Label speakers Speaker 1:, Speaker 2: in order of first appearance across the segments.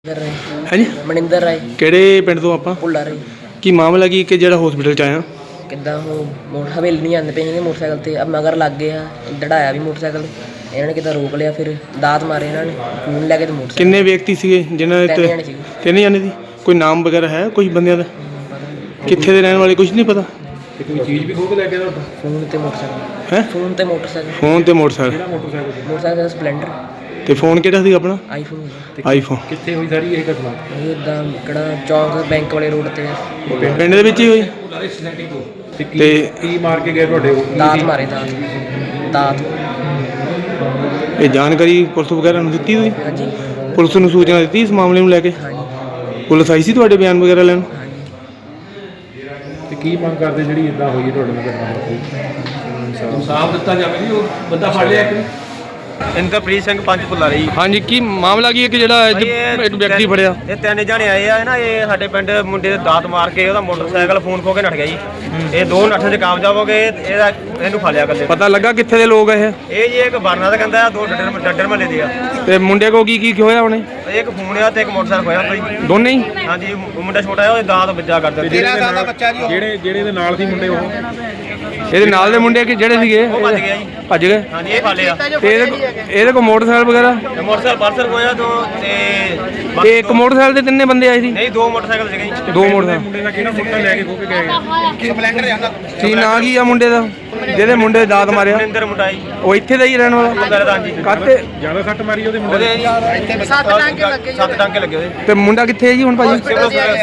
Speaker 1: है जी
Speaker 2: ਮਨਿੰਦਰ ਰਾਏ
Speaker 1: ਕਿਹੜੇ ਪਿੰਡ ਤੋਂ ਆਪਾਂ
Speaker 2: ਭੁੱਲਾ ਰਾਏ
Speaker 1: ਕੀ ਮਾਮਲਾ ਕੀ ਕਿ ਜਿਹੜਾ ਹਸਪੀਟਲ ਚ ਆਇਆ
Speaker 2: ਕਿੱਦਾਂ ਉਹ ਹਵੇਲੀ ਨਹੀਂ ਜਾਂਦੇ ਪਏ ਸੀਗੇ ਮੋਟਰਸਾਈਕਲ ਤੇ ਅਬ ਮਗਰ ਲੱਗ ਗਏ ਆ ਦੜਾਇਆ ਵੀ ਮੋਟਰਸਾਈਕਲ ਇਹਨਾਂ ਨੇ ਕਿੱਦਾਂ ਰੋਕ ਲਿਆ ਫਿਰ ਦਾਤ ਮਾਰੇ ਇਹਨਾਂ ਨੇ ਫੋਨ ਲੈ ਕੇ ਤੇ ਮੋਟਰਸਾਈਕਲ
Speaker 1: ਕਿੰਨੇ ਵਿਅਕਤੀ ਸੀਗੇ ਜਿਨ੍ਹਾਂ
Speaker 2: ਤਿੰਨ
Speaker 1: ਦੇ
Speaker 2: ਜਣੇ ਸੀਗੇ।
Speaker 1: ਤਿੰਨ ਜਾਣੇ ਦੀ ਕੋਈ ਨਾਮ ਵਗੈਰਾ ਹੈ ਕੋਈ ਬੰਦਿਆਂ ਦਾ ਕਿੱਥੇ ਦੇ ਰਹਿਣ ਵਾਲੇ ਕੁਝ ਨਹੀਂ ਪਤਾ
Speaker 3: ਕੋਈ ਚੀਜ਼ ਵੀ ਖੋਹ ਕੇ ਲੈ ਕੇ ਤੁਹਾਡਾ
Speaker 2: ਫੋਨ ਤੇ ਮੋਟਰਸਾਈਕਲ
Speaker 1: ਹੈ
Speaker 2: ਫੋਨ ਤੇ ਮੋਟਰਸਾਈਕਲ
Speaker 1: ਫੋਨ ਤੇ ਮੋਟਰਸਾਈਕਲ
Speaker 2: ਮੋਟਰਸਾਈਕਲ ਸਪਲੈਂਡਰ
Speaker 1: ਤੇ ਫੋਨ ਕਿਹੜਾ ਸੀ ਆਪਣਾ
Speaker 2: ਆਈਫੋਨ
Speaker 1: ਆਈਫੋਨ
Speaker 3: ਕਿੱਥੇ ਹੋਈ ਸਾਰੀ ਇਹ ਘਟਨਾ
Speaker 2: ਇਹ ਇਦਾਂ ਕਿਹੜਾ ਚੌਂਕ ਬੈਂਕ ਵਾਲੇ ਰੋਡ ਤੇ
Speaker 1: ਪਿੰਡ ਦੇ ਵਿੱਚ ਹੀ ਹੋਈ
Speaker 3: ਤੇ
Speaker 1: ਤੇ
Speaker 3: ਕੀ ਮਾਰ ਕੇ ਗਏ ਤੁਹਾਡੇ ਉਹ?
Speaker 2: ਦਾਤ ਮਾਰੇ ਦਾਤ
Speaker 1: ਇਹ ਜਾਣਕਾਰੀ ਪੁਲਿਸ ਵਗੈਰਾ ਨੂੰ ਦਿੱਤੀ ਹੋਈ
Speaker 2: ਹਾਂਜੀ
Speaker 1: ਪੁਲਿਸ ਨੂੰ ਸੂਚਨਾ ਦਿੱਤੀ ਇਸ ਮਾਮਲੇ ਨੂੰ ਲੈ ਕੇ
Speaker 2: ਹਾਂਜੀ
Speaker 1: ਪੁਲਿਸ ਆਈ ਸੀ ਤੁਹਾਡੇ ਬਿਆਨ ਵਗੈਰਾ ਲੈਣ
Speaker 2: ਹਾਂਜੀ
Speaker 3: ਤੇ ਕੀ ਮੰਗ ਕਰਦੇ ਜਿਹੜੀ ਇਦਾਂ ਹੋਈ ਹੈ ਤੁਹਾਡੇ ਨਾਲ ਘਟਨਾ ਇਨਸਾਫ ਦਿੱਤਾ ਜਾਵੇ ਜੀ ਉਹ ਬੰਦਾ ਫੜ ਲਿਆ ਕਿ
Speaker 4: ਇੰਦਰਪ੍ਰੀਤ ਸਿੰਘ ਪੰਜ ਭੁੱਲਾ ਰਹੀ
Speaker 1: ਹਾਂਜੀ ਕੀ ਮਾਮਲਾ ਕੀ ਹੈ ਕਿ ਜਿਹੜਾ ਇੱਕ ਵਿਅਕਤੀ ਫੜਿਆ
Speaker 4: ਇਹ ਤਿੰਨ ਜਣੇ ਆਏ ਆ ਨਾ ਇਹ ਸਾਡੇ ਪਿੰਡ ਮੁੰਡੇ ਦੇ ਦਾਤ ਮਾਰ ਕੇ ਉਹਦਾ ਮੋਟਰਸਾਈਕਲ ਫੋਨ ਖੋ ਕੇ ਨੱਠ ਗਿਆ ਜੀ ਇਹ ਦੋ ਨੱਠਣ 'ਚ ਕਾਮਯਾਬ ਹੋ ਗਏ ਇਹਨੂੰ ਫੜ ਲਿਆ ਕੱਲੇ
Speaker 1: ਪਤਾ ਲੱਗਾ ਕਿੱਥੇ ਦੇ ਲੋਕ ਇਹ
Speaker 4: ਇਹ ਜੀ ਇੱਕ ਬਰਨਾ ਦਾ ਕਹਿੰਦਾ ਦੋ ਡੱਡਰ ਮਹੱਲੇ ਦੇ ਆ
Speaker 1: ਤੇ ਮੁੰਡੇ ਕੋ ਕੀ ਹੋਇਆ ਉਹਨੇ
Speaker 4: ਇੱਕ ਫੋਨ ਆ ਤੇ ਇੱਕ ਮੋਟਰਸਾਈਕਲ ਖੋਇਆ ਕੋਈ
Speaker 1: ਦੋਨੇ ਹੀ
Speaker 4: ਹਾਂਜੀ ਉਹ ਮੁੰਡਾ ਛੋਟਾ ਆ ਉਹਦੇ ਦਾਤ ਵੱਜਾ ਕਰ ਦਿੰਦੇ
Speaker 3: ਜਿਹੜੇ ਦੇ ਨਾਲ ਸੀ ਮੁੰਡੇ ਉਹ
Speaker 1: ਇਹਦੇ ਨਾਲ ਦੇ ਮੁੰਡੇ ਕਿ ਜਿਹੜੇ ਸੀਗੇ
Speaker 4: ਉਹ ਭੱਜ ਗਿਆ ਜੀ
Speaker 1: ਭੱਜ ਗਏ
Speaker 4: ਹਾਂਜੀ ਇਹ ਫੜ ਲਿਆ
Speaker 1: ਤੇ ਇਹਦੇ ਕੋ ਮੋਟਰਸਾਈਕਲ ਵਗੈਰਾ
Speaker 4: ਤੇ ਮੋਟਰਸਾਈਕਲ ਪਰਸਰ ਖੋਇਆ ਦੋ ਤੇ
Speaker 1: ਤੇ ਇੱਕ ਮੋਟਰਸਾਈਕਲ ਤੇ ਤਿੰਨੇ ਬੰਦੇ ਆਏ ਸੀ
Speaker 4: ਨਹੀਂ ਦੋ ਮੋਟਰਸਾਈਕਲ ਸੀਗੇ ਜੀ
Speaker 1: ਦੋ ਮੋਟਰਸਾਈਕਲ
Speaker 3: ਮੁੰਡੇ ਦਾ ਕਿਹੜਾ ਮੁੰਡਾ ਲੈ ਕੇ ਖੋ ਕੇ ਗਏ
Speaker 1: ਕੀ ਨਾਂ ਕੀ ਆ ਮੁੰਡੇ ਦਾ ਜਿਹਦੇ ਮੁੰਡੇ ਦੇ ਦਾਤ ਮਾਰਿਆ
Speaker 4: ਮਨਿੰਦਰ ਮੁੰਡਾ ਜੀ
Speaker 1: ਉਹ ਇੱਥੇ ਦਾ ਹੀ ਰਹਿਣ ਵਾਲਾ
Speaker 4: ਮੁੰਡਾ ਦਾ ਜੀ
Speaker 1: ਕਾਤੇ
Speaker 3: ਜਿਆਦਾ ਸੱਟ ਮਾਰੀ ਉਹਦੇ ਮੁੰਡੇ
Speaker 4: ਉਹਦੇ ਜੀ ਸੱਤ ਟਾਂਕੇ ਲੱਗੇ ਉਹਦੇ
Speaker 1: ਤੇ ਮੁੰਡਾ ਕਿੱਥੇ ਹੈ ਜੀ ਹੁਣ ਭਾਜੀ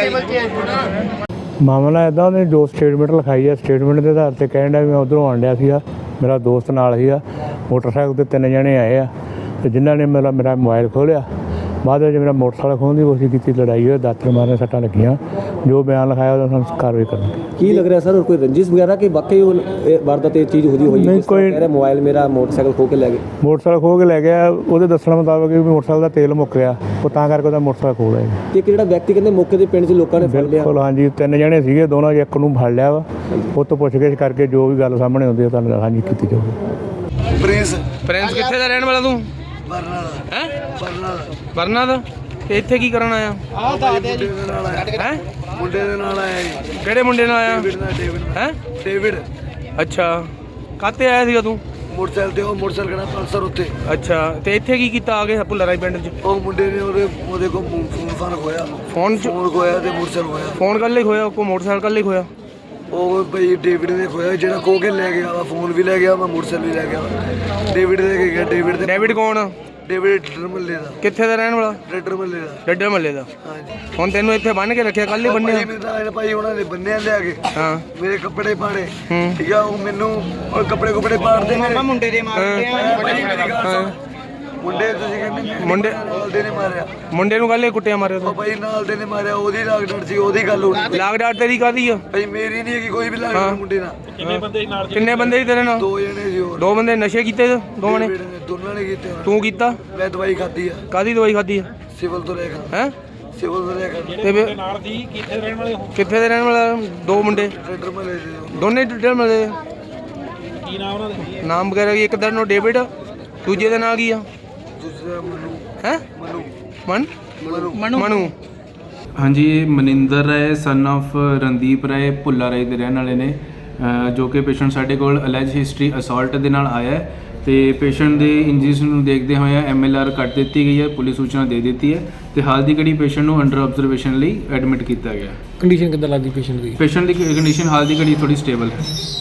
Speaker 5: ਮਾਮਲਾ ਇੱਦਾਂ ਉਹਨੇ ਜੋ ਸਟੇਟਮੈਂਟ ਲਿਖਾਈ ਹੈ ਸਟੇਟਮੈਂਟ ਦੇ ਆਧਾਰ 'ਤੇ ਕਹਿਣ ਡਿਆ ਵੀ ਮੈਂ ਉੱਧਰੋਂ ਆਉਣ ਡਿਆ ਸੀਗਾ ਮੇਰਾ ਦੋਸਤ ਨਾਲ ਸੀਗਾ ਮੋਟਰਸਾਈਕਲ 'ਤੇ ਤਿੰਨ ਜਣੇ ਆਏ ਆ ਤੇ ਜਿਨ੍ਹਾਂ ਨੇ ਮੇਰਾ ਮੋਬਾਈਲ ਖੋਲ੍ਹਿਆ ਬਾਅਦ ਵਿੱਚ ਮੇਰਾ ਮੋਟਰਸਾਈਕਲ ਖੋਹਣ ਦੀ ਕੋਸ਼ਿਸ਼ ਕੀਤੀ ਲੜਾਈ ਹੋਈ ਦਾਤਰ ਮਾਰਨ ਸੱਟਾਂ ਲੱਗੀਆਂ ਜੋ ਬਿਆਨ ਲਿਖਾਇਆ ਉਹਦਾ ਸਾਨੂੰ ਕਾਰਵਾਈ ਕਰਨੀ
Speaker 6: ਕੀ ਲੱਗ ਰਿਹਾ ਸਰ और कोई रंजिश वगैरह कि वाकई वो वारदात ये चीज़ हुई
Speaker 5: नहीं, कोई-
Speaker 6: कह रहे मोबाइल मेरा मोटरसाइकिल खो के ले गए
Speaker 5: ਮੋਟਰਸਾਈਕਲ ਖੋਹ ਕੇ ਲੈ ਗਿਆ ਉਹਦੇ ਦੱਸਣ ਮੁਤਾਬਕ ਵੀ ਮੋਟਰਸਾਈਕਲ ਦਾ ਤੇਲ ਮੁੱਕ ਗਿਆ ਉਹ ਤਾਂ ਕਰਕੇ ਉਹਦਾ ਮੋਟਰਸਾਈਕਲ ਖੋਹ ਲਿਆ ਜੀ।
Speaker 6: ਤੇ ਇੱਕ ਜਿਹੜਾ ਵਿਅਕਤੀ ਕਹਿੰਦੇ ਮੌਕੇ ਦੇ ਪਿੰਡ 'ਚ ਲੋਕਾਂ ਨੇ ਫੜ ਲਿਆ
Speaker 5: ਬਿਲਕੁਲ ਹਾਂਜੀ ਤਿੰਨ ਜਣੇ ਸੀਗੇ ਦੋਨੋਂ ਇੱਕ ਨੂੰ ਫੜ ਲਿਆ ਵਾ ਉਹ ਤੋਂ ਪੁੱਛਗਿੱਛ ਕਰਕੇ ਜੋ ਵੀ ਗੱਲ ਸਾਹਮਣੇ ਆਉਂਦੀ ਹੈ ਤੁਹਾਨੂੰ ਹਾਂਜੀ ਕੀਤੀ ਜਾਊਗੀ
Speaker 1: ਪ੍ਰਿੰਸ ਕਿੱਥੇ ਦਾ ਰਹਿਣ ਵਾਲਾ ਤੂੰ ਬਰਨਾ ਦਾ ਹੈ ਬਰਨਾ ਦਾ ਤੇ ਇੱਥੇ ਕੀ ਕਰਨ ਆਇਆ ਹੈ
Speaker 7: ਮੁੰਡੇ ਦੇ ਨਾਲ ਆਇਆ ਜੀ
Speaker 1: ਕਿਹੜੇ ਮੁੰਡੇ ਨਾਲ ਆਇਆ ਹੈ
Speaker 7: ਡੇਵਿਡ
Speaker 1: ਅੱਛਾ ਕਾਤੇ ਆਇਆ ਸੀਗਾ ਤੂੰ
Speaker 7: ਮੋਟਰਸਾਈਕਲ ਤੇ ਉਹ ਮੋਟਰਸਾਈਕਲ ਖੜਾ ਪਲਸਰ ਉੱਤੇ
Speaker 1: ਅੱਛਾ ਤੇ ਇੱਥੇ ਕੀ ਕੀਤਾ ਆ ਕੇ ਭੁੱਲਰ ਰਾਈ ਪਿੰਡ 'ਚ
Speaker 7: ਉਹ ਮੁੰਡੇ ਨੇ ਉਹਦੇ ਕੋਲ ਫੋਨ ਖੋਇਆ
Speaker 1: ਫੋਨ 'ਚ
Speaker 7: ਫੋਨ ਖੋਇਆ ਤੇ ਮੋਟਰਸਾਈਕਲ ਖੋਇਆ
Speaker 1: ਫੋਨ ਕੱਲੇ ਖੋਇਆ ਕੋ ਮੋਟਰਸਾਈਕਲ ਕੱਲੇ ਖੋਇਆ
Speaker 7: ਉਹ ਬਈ ਡੇਵਿਡ ਨੇ ਖੋਇਆ ਜਿਹੜਾ ਖੋ ਕੇ ਲੈ ਗਿਆ ਵਾ ਫੋਨ ਵੀ ਲੈ ਗਿਆ ਵਾ ਮੋਟਰਸਾਈਕਲ ਵੀ ਲੈ ਗਿਆ ਵਾ ਡੇਵਿਡ ਦੇ ਕੇ ਗਿਆ
Speaker 1: ਡੇਵਿਡ ਕੌਣ ਆ?
Speaker 7: ਡੇਵਿਡ ਡੱਡਰ ਮੱਲੇ ਦਾ
Speaker 1: ਕਿੱਥੇ ਦਾ ਰਹਿਣ ਵਾਲਾ
Speaker 7: ਡੱਡਰ ਮੱਲੇ ਦਾ
Speaker 1: ਡੱਡਰ ਮੱਲੇ ਦਾ
Speaker 7: ਹਾਂਜੀ
Speaker 1: ਹੁਣ ਤੈਨੂੰ ਇੱਥੇ ਬੰਨ ਕੇ ਰੱਖਿਆ ਕੱਲ ਹੀ ਬੰਨਿਆ
Speaker 7: ਭਾਈ ਮੈਨੂੰ ਤਾਂ ਭਾਈ ਉਹਨਾਂ ਨੇ ਬੰਨਿਆ ਲਿਆ ਕੇ
Speaker 1: ਹਾਂ
Speaker 7: ਮੇਰੇ ਕੱਪੜੇ ਪਾੜੇ
Speaker 1: ਹੂੰ।
Speaker 7: ਠੀਕ ਆ ਉਹ ਮੈਨੂੰ ਉਹ ਕੱਪੜੇ ਪਾੜਦੇ ਮੇਰੇ
Speaker 4: ਮੁੰਡੇ ਦੇ
Speaker 7: ਮੁੰਡੇ ਤੁਸੀਂ ਕਹਿੰਦੇ
Speaker 1: ਮੁੰਡੇ
Speaker 7: ਨਾਲ ਦੇ ਨੇ ਮਾਰਿਆ
Speaker 1: ਮੁੰਡੇ ਨੂੰ ਕੱਲ ਹੀ ਕੁੱਟਿਆ ਮਾਰਿਆ
Speaker 7: ਉਹ
Speaker 1: ਤੂੰ
Speaker 7: ਭਾਈ ਨਾਲ ਦੇ ਨੇ ਮਾਰਿਆ ਉਹਦੀ ਲਾਗਡਰ ਸੀ ਉਹਦੀ ਗੱਲ ਹੋਣੀ
Speaker 1: ਲਾਗ ਡਾਟ ਤੇਰੀ ਕਾਦੀ ਆ
Speaker 7: ਭਾਈ ਮੇਰੀ ਨਹੀਂ ਹੈਗੀ ਕੋਈ ਵੀ ਲਾਗਡਰ ਮੁੰਡੇ ਨਾਲ
Speaker 1: ਕਿੰਨੇ ਬੰਦੇ ਸੀ ਤੇਰੇ ਨਾਲ
Speaker 7: ਦੋ ਜਣੇ ਸੀ ਹੋਰ
Speaker 1: ਦੋ ਬੰਦੇ ਨਸ਼ੇ ਕੀਤੇ ਦੋਵਾਂ ਨੇ
Speaker 7: ਦੋਨਾਂ ਨੇ ਕੀਤੇ ਹੋਣੇ।
Speaker 1: ਤੂੰ ਕੀਤਾ
Speaker 7: ਮੈਂ ਦਵਾਈ ਖਾਧੀ ਆ
Speaker 1: ਕਾਦੀ ਦਵਾਈ ਖਾਦੀ ਆ
Speaker 7: ਸਿਵਲ ਤੋਂ ਲੈ ਕੇ
Speaker 1: ਹੈ
Speaker 7: ਸਿਵਲ ਤੋਂ ਲੈ ਕੇ
Speaker 1: ਤੇ ਕਿੱਥੇ ਦੇ ਰਹਿਣ ਵਾਲਾ ਦੋ ਮੁੰਡੇ
Speaker 7: ਟਰੈਕਟਰ ਮਲੇ ਦੇ
Speaker 1: ਦੋਨੇ ਡੱਡਰ ਮਲੇ ਕੀ ਨਾਮ ਉਹਨਾਂ ਦੇ ਨਾਮ ਵਗੈਰਾ ਕੀ ਇੱਕ ਦਾ ਨਾਮ ਡੇਵਿਡ ਦੂਜੇ ਦਾ ਨਾਮ ਕੀ ਆ
Speaker 7: ਦੂਸਰਾ ਮਨੂ
Speaker 1: ਹੈ ਮਨੂ
Speaker 8: ਹਾਂਜੀ ਇਹ ਮਨਿੰਦਰ ਰਾਏ ਸਨ of ਰਣਦੀਪ ਰਾਏ ਭੁੱਲਾ ਰਾਏ ਦੇ ਰਹਿਣ ਵਾਲੇ ਨੇ ਜੋ ਕਿ ਪੇਸ਼ੈਂਟ ਸਾਡੇ ਕੋਲ ਅਲੈਜ ਹਿਸਟਰੀ ਅਸਾਲਟ ਦੇ ਨਾਲ ਆਇਆ ਹੈ ਤੇ ਪੇਸ਼ੈਂਟ ਦੇ ਇੰਜਰੀਜ਼ ਨੂੰ ਦੇਖਦੇ ਹੋਏ MLR ਕੱਟ ਦਿੱਤੀ ਗਈ ਹੈ ਪੁਲਿਸ ਸੂਚਨਾ ਦੇ ਦਿੱਤੀ ਹੈ ਤੇ ਹਾਲ ਦੀ ਘੜੀ ਪੇਸ਼ੈਂਟ ਨੂੰ ਅੰਡਰ ਆਬਜ਼ਰਵੇਸ਼ਨ ਲਈ ਐਡਮਿਟ ਕੀਤਾ ਗਿਆ
Speaker 6: ਕੰਡੀਸ਼ਨ ਕਿੱਦਾਂ ਲੱਗਦੀ ਪੇਸ਼ੈਂਟ ਦੀ
Speaker 8: ਪੇਸ਼ੈਂਟ ਦੀ ਕੰਡੀਸ਼ਨ ਹਾਲ ਦੀ ਘੜੀ ਥੋੜੀ ਸਟੇਬਲ ਹੈ